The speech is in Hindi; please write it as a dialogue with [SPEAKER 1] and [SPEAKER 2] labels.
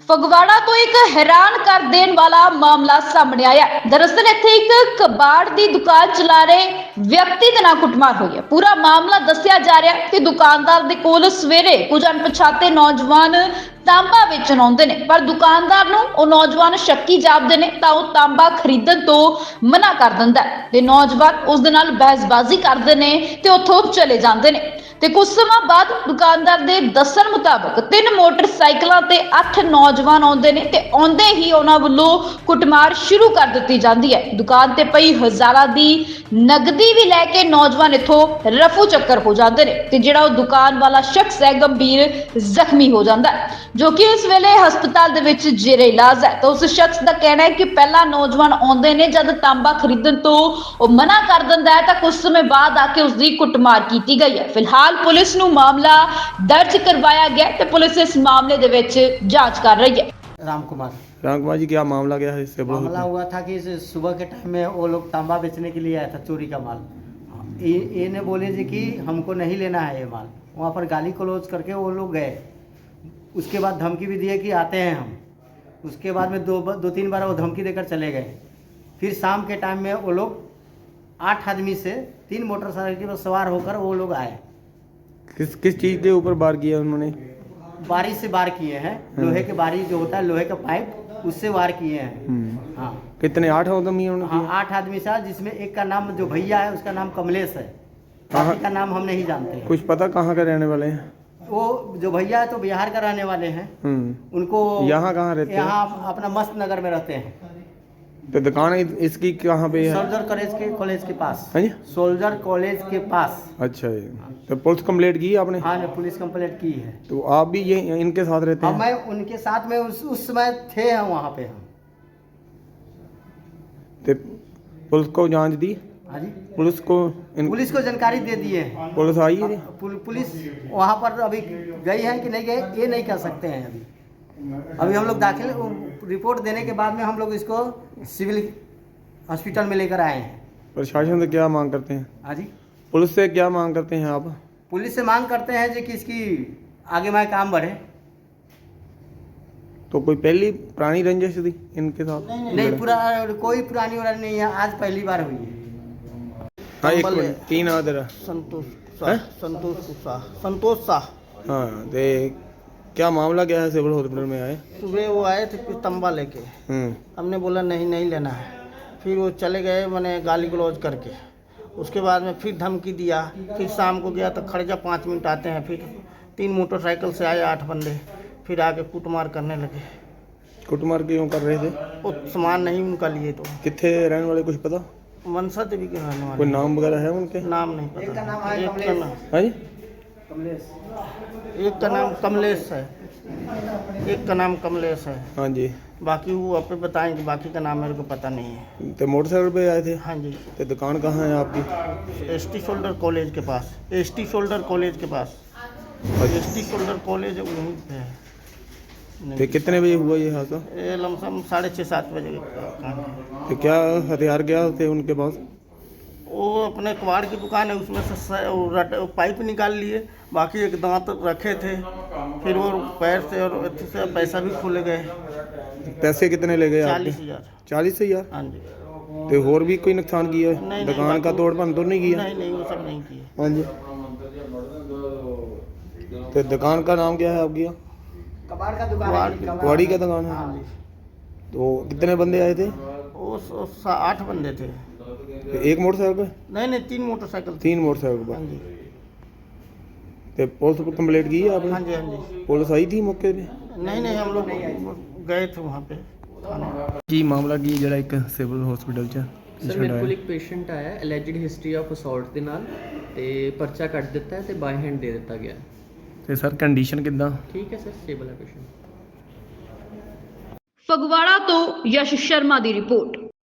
[SPEAKER 1] ਫਗਵਾੜਾ ਤੋਂ ਇੱਕ ਹੈਰਾਨ ਕਰ ਦੇਣ ਵਾਲਾ ਮਾਮਲਾ ਸਾਹਮਣੇ ਆਇਆ ਹੈ। ਦਰਅਸਲ ਇੱਥੇ ਇੱਕ ਕਬਾੜ ਦੀ ਦੁਕਾਨ ਚਲਾ ਰਹੇ ਵਿਅਕਤੀ ਦੇ ਨਾਲ ਕੁੱਟਮਾਰ ਹੋਈ ਹੈ। ਪੂਰਾ ਮਾਮਲਾ ਦੱਸਿਆ ਜਾ ਰਿਹਾ ਹੈ ਕਿ ਦੁਕਾਨਦਾਰ ਦੇ ਕੋਲ ਸਵੇਰੇ ਕੁਝ ਅਣਪਛਾਤੇ ਨੌਜਵਾਨ ਤਾਂਬਾ ਵੇਚਣ ਆਉਂਦੇ ਨੇ, ਪਰ ਦੁਕਾਨਦਾਰ ਨੂੰ ਉਹ ਨੌਜਵਾਨ ਸ਼ੱਕੀ ਜਾਪਦੇ ਨੇ ਤਾਂ ਉਹ ਤਾਂਬਾ ਖਰੀਦਣ ਤੋਂ ਮਨਾ ਕਰ ਦਿੰਦਾ ਹੈ ਤੇ ਨੌਜਵਾਨ ਉਸ ਦੇ ਨਾਲ ਬਹਿਸਬਾਜ਼ੀ ਕਰਦੇ ਨੇ ਤੇ ਉੱਥੋਂ ਚਲੇ ਜਾਂਦੇ ਨੇ। ਤੇ ਕੁਝ ਸਮਾਂ ਬਾਅਦ ਦੁਕਾਨਦਾਰ ਦੇ ਦੱਸਣ ਮੁਤਾਬਕ 3 ਮੋਟਰਸਾਈਕਲਾਂ ਤੇ 8 ਨੌਜਵਾਨ ਆਉਂਦੇ ਨੇ ਤੇ ਆਉਂਦੇ ਹੀ ਉਹਨਾਂ ਵੱਲੋਂ ਕੁੱਟਮਾਰ ਸ਼ੁਰੂ ਕਰ ਦਿੱਤੀ ਜਾਂਦੀ ਹੈ। ਦੁਕਾਨ ਤੇ ਪਈ ਹਜ਼ਾਰਾਂ ਦੀ ਨਗਦੀ ਵੀ ਲੈ ਕੇ ਨੌਜਵਾਨ ਇੱਥੋਂ ਰਫੂ ਚੱਕਰ ਹੋ ਜਾਂਦੇ ਨੇ ਤੇ ਜਿਹੜਾ ਉਹ ਦੁਕਾਨ ਵਾਲਾ ਸ਼ਖਸ ਹੈ ਗੰਭੀਰ ਜ਼ਖਮੀ ਹੋ ਜਾਂਦਾ ਹੈ, ਜੋ ਕਿ ਇਸ ਵੇਲੇ ਹਸਪਤਾਲ ਦੇ ਵਿੱਚ ਜੇਰੇ ਇਲਾਜ ਹੈ। ਤਾਂ ਉਸ ਸ਼ਖਸ ਦਾ ਕਹਿਣਾ ਹੈ ਕਿ ਪਹਿਲਾਂ ਨੌਜਵਾਨ ਆਉਂਦੇ ਨੇ, ਜਦ ਤਾਂਬਾ ਖਰੀਦਣ ਤੋਂ ਉਹ ਮਨਾ ਕਰ ਦਿੰਦਾ ਹੈ ਤਾਂ ਕੁਝ ਸਮੇਂ ਬਾਅਦ ਆ ਕੇ ਉਸ ਦੀ ਕੁੱਟਮਾਰ ਕੀਤੀ गई है। फिलहाल पुलिस ਨੂੰ मामला दर्ज करवाया गया तो पुलिस इस मामले दे विच जांच कर रही है।
[SPEAKER 2] राम कुमार
[SPEAKER 3] जी, क्या मामला क्या है इससे?
[SPEAKER 2] मामला हुआ था कि सुबह के टाइम में वो लोग तांबा बेचने के लिए आया था, चोरी का माल। ये ने बोले जी कि हमको नहीं लेना है ये माल। वहाँ पर गाली क्लोज करके वो लोग गए। उसके बाद धमकी भी दिए कि आते हैं हम। उसके बाद में दो तीन बार वो धमकी देकर चले गए। फिर शाम के टाइम में वो लोग 8 आदमी से 3 मोटरसाइकिल पर सवार होकर वो लोग आए।
[SPEAKER 3] किस चीज़ के ऊपर वार किया उन्होंने?
[SPEAKER 2] बारी से वार किए हैं, लोहे के बारी जो होता है, लोहे का पाइप, उससे वार किए हैं। हाँ,
[SPEAKER 3] कितने? 8 आदमी उन्होंने?
[SPEAKER 2] हाँ, 8 आदमी था, जिसमें एक का नाम जो भैया है उसका नाम कमलेश है, बाकी का नाम हम नहीं जानते।
[SPEAKER 3] कुछ पता कहाँ के रहने वाले हैं?
[SPEAKER 2] वो जो भैया है तो बिहार का रहने वाले हैं। उनको
[SPEAKER 3] यहाँ कहाँ रहते हैं?
[SPEAKER 2] यहाँ अपना मस्त नगर में रहते हैं।
[SPEAKER 3] तो दुकान इसकी कहाँ पे है?
[SPEAKER 2] सोल्जर कॉलेज के पास।
[SPEAKER 3] हाँ जी,
[SPEAKER 2] सोल्जर कॉलेज के पास।
[SPEAKER 3] अच्छा जी। तो पुलिस कंप्लेंट की आपने?
[SPEAKER 2] हाँ, ने पुलिस कंप्लेंट की है।
[SPEAKER 3] तो आप भी ये इनके साथ रहते हैं?
[SPEAKER 2] मैं उनके साथ में उस समय थे हम वहाँ पे। हम
[SPEAKER 3] तो पुलिस को जांच दी?
[SPEAKER 2] हाँ जी,
[SPEAKER 3] पुलिस को
[SPEAKER 2] पुलिस को जानकारी दे दिए हैं।
[SPEAKER 3] पुलिस आई है?
[SPEAKER 2] पुलिस वहाँ पर अभी गई है कि नहीं गई ये नहीं कह सकते हैं। अभी हम लोग दाखिल रिपोर्ट देने के बाद में हम लोग इसको सिविल हॉस्पिटल में लेकर आए हैं।
[SPEAKER 3] प्रशासन से क्या मांग करते हैं?
[SPEAKER 2] हाँ जी,
[SPEAKER 3] पुलिस से क्या मांग करते हैं आप?
[SPEAKER 2] पुलिस से मांग करते हैं जी कि इसकी आगे में काम बढ़े।
[SPEAKER 3] तो कोई पहली पुरानी रंजिश थी इनके साथ?
[SPEAKER 2] नहीं, कोई पुरानी उरानी नहीं है, आज पहली बार हुई है।
[SPEAKER 3] हाँ, एक मिनट, की नाम तेरा?
[SPEAKER 2] संतोष शाह।
[SPEAKER 3] हाँ, तो क्या मामला क्या है? सिविल हॉस्पिटल में आए?
[SPEAKER 2] सुबह वो आए थे कुछ तंबा लेके। हमने बोला नहीं लेना है। फिर वो चले गए, मैंने गाली गलौज करके। उसके बाद में फिर धमकी दिया। फिर शाम को गया तो खड़े जा 5 मिनट आते हैं। फिर 3 मोटरसाइकिल से आए 8 बंदे, फिर आके कुटमार करने लगे।
[SPEAKER 3] कुटमार क्यों कर रहे थे?
[SPEAKER 2] वो सामान नहीं उनका लिए तो।
[SPEAKER 3] कितने रहने वाले कुछ पता?
[SPEAKER 2] मनसा देवी के रहने वाले।
[SPEAKER 3] कोई नाम वगैरह है उनके?
[SPEAKER 2] नाम नहीं पता। एक का नाम एक का नाम कमलेश है, एक का नाम कमलेश है।
[SPEAKER 3] हाँ जी,
[SPEAKER 2] बाकी वो आप बताएंगे, बाकी का नाम मेरे को पता नहीं है।
[SPEAKER 3] तो मोटरसाइकिल पे आए थे?
[SPEAKER 2] हाँ जी।
[SPEAKER 3] तो दुकान कहाँ है आपकी?
[SPEAKER 2] एसटी शोल्डर कॉलेज के पास। एसटी शोल्डर कॉलेज के पास। एसटी शोल्डर कॉलेज वहीं पे है।
[SPEAKER 3] तो कितने बजे हुआ ये हादसा?
[SPEAKER 2] ये लमसम 6:30-7 बजे का काम है।
[SPEAKER 3] तो क्या हथियार क्या थे उनके पास?
[SPEAKER 2] वो अपने कबाड़ की दुकान है, उसमें से पाइप निकाल लिए, बाकी एक दांत रखे थे। फिर वो पैर से और अच्छे से पैसा भी खुल गए।
[SPEAKER 3] पैसे कितने ले गए?
[SPEAKER 2] 40,000।
[SPEAKER 3] 40,000?
[SPEAKER 2] हाँ जी।
[SPEAKER 3] तो और भी कोई नुकसान किया है?
[SPEAKER 2] नहीं,
[SPEAKER 3] दुकान का तोड़ भन तो नहीं किया?
[SPEAKER 2] नहीं, वो सब नहीं किए।
[SPEAKER 3] हाँ जी। तो दुकान का नाम क्या है आपकी?
[SPEAKER 2] कबाड़ का दुकान।
[SPEAKER 3] कबाड़ी का दुकान है?
[SPEAKER 2] हाँ जी।
[SPEAKER 3] तो कितने बंदे आए थे?
[SPEAKER 2] वो 8 बंदे थे।
[SPEAKER 3] तो एक मोटरसाइकिल पे?
[SPEAKER 2] नहीं, 3 मोटरसाइकिल।
[SPEAKER 3] 3 मोटरसाइकिल
[SPEAKER 2] हाँ
[SPEAKER 3] पर?
[SPEAKER 2] जी।
[SPEAKER 3] तो पुलिस को कंप्लेंट की है आपने?
[SPEAKER 2] हाँ जी, हाँ जी।
[SPEAKER 3] पुलिस आई थी मौके पे?
[SPEAKER 2] नहीं, हम लोग गए थे वहाँ पे थाने।
[SPEAKER 3] की मामला की ਜਿਹੜਾ ਇੱਕ ਸਿਵਲ ਹਸਪੀਟਲ ਚ
[SPEAKER 4] ਸਰ ਮੇਰੇ ਕੋਲ ਇੱਕ ਪੇਸ਼ੈਂਟ ਆਇਆ ਅਲੈਜਡ ਹਿਸਟਰੀ ਆਫ ਅਸੌਲਟ ਦੇ ਨਾਲ ਤੇ ਪਰਚਾ ਕੱਟ ਦਿੱਤਾ ਹੈ ਤੇ ਬਾਈ ਹੈਂਡ ਦੇ ਦਿੱਤਾ ਗਿਆ।
[SPEAKER 3] ਤੇ ਸਰ ਕੰਡੀਸ਼ਨ ਕਿੱਦਾਂ?
[SPEAKER 4] ਠੀਕ ਹੈ ਸਰ, ਸਟੇਬਲ ਹੈ ਪੇਸ਼ੈਂਟ।
[SPEAKER 1] ਫਗਵਾੜਾ ਤੋਂ ਯਸ਼ ਸ਼ਰਮਾ ਦੀ ਰਿਪੋਰਟ।